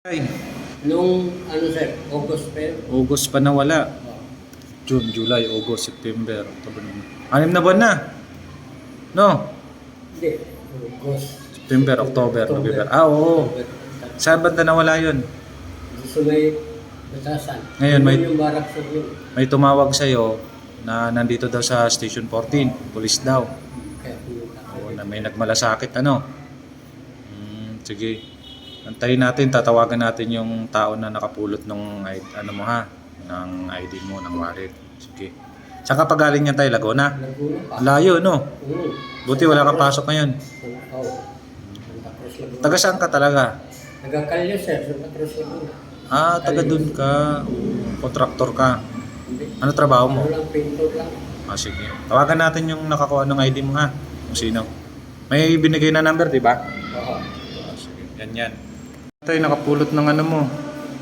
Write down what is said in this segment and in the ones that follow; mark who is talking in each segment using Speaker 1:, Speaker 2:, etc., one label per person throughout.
Speaker 1: Ay,
Speaker 2: Nung ano sir, August pa yun.
Speaker 1: August pa nawala. June, July, August, September, October. 6 na buwan na. No?
Speaker 2: Hindi, August.
Speaker 1: September, October, November. Ah, oo.
Speaker 2: October.
Speaker 1: Saan banda nawala yun?
Speaker 2: Gusto may batasan.
Speaker 1: Ngayon, may-
Speaker 2: Yung barak sa yun.
Speaker 1: May tumawag sa'yo na nandito daw sa Station 14. Police daw.
Speaker 2: Kaya pumunta
Speaker 1: Oo,
Speaker 2: ako.
Speaker 1: na may nagmalasakit, ano? Sige. Antayin natin, tatawagan natin yung tao na nakapulot ng ano mo ha, ng ID mo, ng wallet. Sige. Saan ka pa galing yan tayo, Laguna?
Speaker 2: Laguna pa.
Speaker 1: Layo, no? Buti wala kang pasok ngayon.
Speaker 2: Oo. Santa Cruz Laguna.
Speaker 1: Taga saan ka talaga?
Speaker 2: Nagkakalyo sir, Santa Cruz Laguna.
Speaker 1: Ah, taga dun ka. Kontraktor ka.
Speaker 2: Hindi.
Speaker 1: Ano trabaho mo?
Speaker 2: Ano lang, pintor lang.
Speaker 1: Ah, sige. Tawagan natin yung nakakuha ng ID mo ha. Kung sino. May binigay na number, di ba?
Speaker 2: Oo.
Speaker 1: Ah, sige. Yan yan. Tayo nakapulot ng ano mo.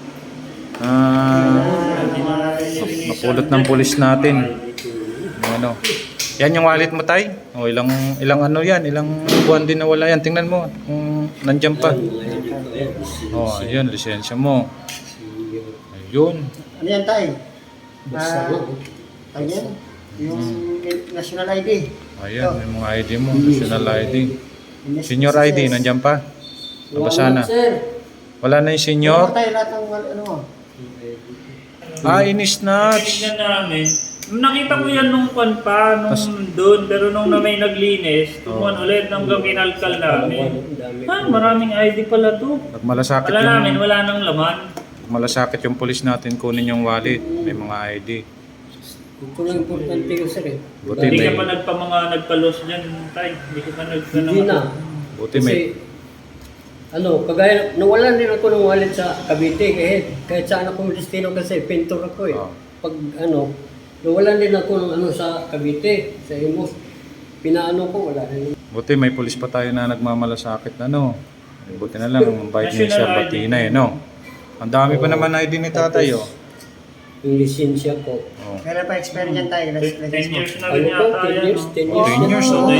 Speaker 1: Napulot ng pulis natin. Yung ano. Yan yung wallet mo, tay. O, ilang ano yan, ilang buwan din nawala yan. Tingnan mo kung nandiyan pa. Oh, ayun, lisensya mo. Ayun.
Speaker 3: Ano yan, Tay?
Speaker 2: Basta lang.
Speaker 3: Tay yan? Yung national ID.
Speaker 1: Ayun, yung mga ID mo, national ID. Senior ID, nandiyan pa. Nabasa na.
Speaker 2: Sir.
Speaker 1: Wala na yung senior.
Speaker 3: Tay, lahat ng ano mo?
Speaker 1: Ah, ini-snatch.
Speaker 4: Tingnan namin. Nung nakita ko yan nung kwan pa, nung doon, pero nung na may naglinis, tumuan ulit hanggang kinalkal namin. Ah, maraming ID pala to.
Speaker 1: Nagmalasakit
Speaker 4: Wala namin,
Speaker 1: yung,
Speaker 4: wala nang laman.
Speaker 1: nagmalasakit yung pulis natin kunin yung wallet. May mga ID.
Speaker 2: Ito lang importante yung sir eh.
Speaker 1: Buti
Speaker 4: Hindi
Speaker 1: may,
Speaker 4: ka pa nagpalos dyan, tay. Hindi ka pa
Speaker 2: Hindi na.
Speaker 1: buti may,
Speaker 2: Kasi, ano, kagaya, nawalan din ako ng wallet sa Cavite kahit saan akong destino kasi pintor ako eh.
Speaker 1: Oh.
Speaker 2: Pag ano, nawalan din ako ng ano sa Cavite, sa Imus. Pinaano ko, wala rin.
Speaker 1: buti may pulis pa tayo na nagmamalasakit na no. Buti na lang, ang bait ni Sir
Speaker 4: National ID.
Speaker 1: Batina eh no. Ang dami pa naman ID ni tatay oh.
Speaker 2: Yung lisensya ko.
Speaker 1: Oh.
Speaker 3: Kailan pa expire yan, Tay?
Speaker 4: 10 years na
Speaker 2: Ano
Speaker 4: rin
Speaker 2: po,
Speaker 4: yata
Speaker 2: 10
Speaker 4: yan.
Speaker 2: years,
Speaker 4: no?
Speaker 2: 10
Speaker 1: Oh,
Speaker 2: years.
Speaker 1: 10 years,
Speaker 4: So,
Speaker 1: oh.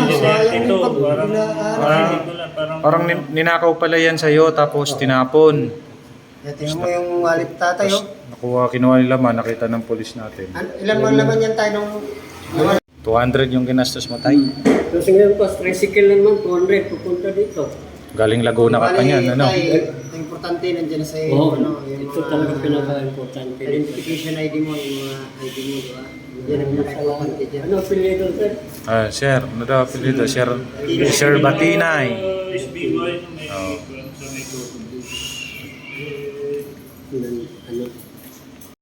Speaker 4: 2022, parang
Speaker 1: Ninakaw pala yan sa'yo tapos tinapon.
Speaker 3: Tingnan mo yung wallet tatay, oh.
Speaker 1: Nakuha, kinuha nila man, nakita ng pulis natin.
Speaker 3: Ilan man laman yan, Tay, nung...
Speaker 1: 200 yung ginastos mo tay.
Speaker 2: Tapos ngayon pa, tricycle na naman, 200, pupunta dito.
Speaker 1: Galing Laguna ka pa niyan, ano?
Speaker 3: Tay, ang importante nandiyan sa iyo,
Speaker 2: Oo,
Speaker 3: ano, yung
Speaker 2: ito talaga pinaka-importante.
Speaker 3: identification ID mo, yung mga ID mo, di ba? Yan ang pinaka-importante dyan.
Speaker 2: Ano apelyido sir?
Speaker 1: Ah, sir, ano daw apelido? Sir Batinay.
Speaker 4: SBY, may
Speaker 1: Oo.
Speaker 4: sa may
Speaker 2: Ano,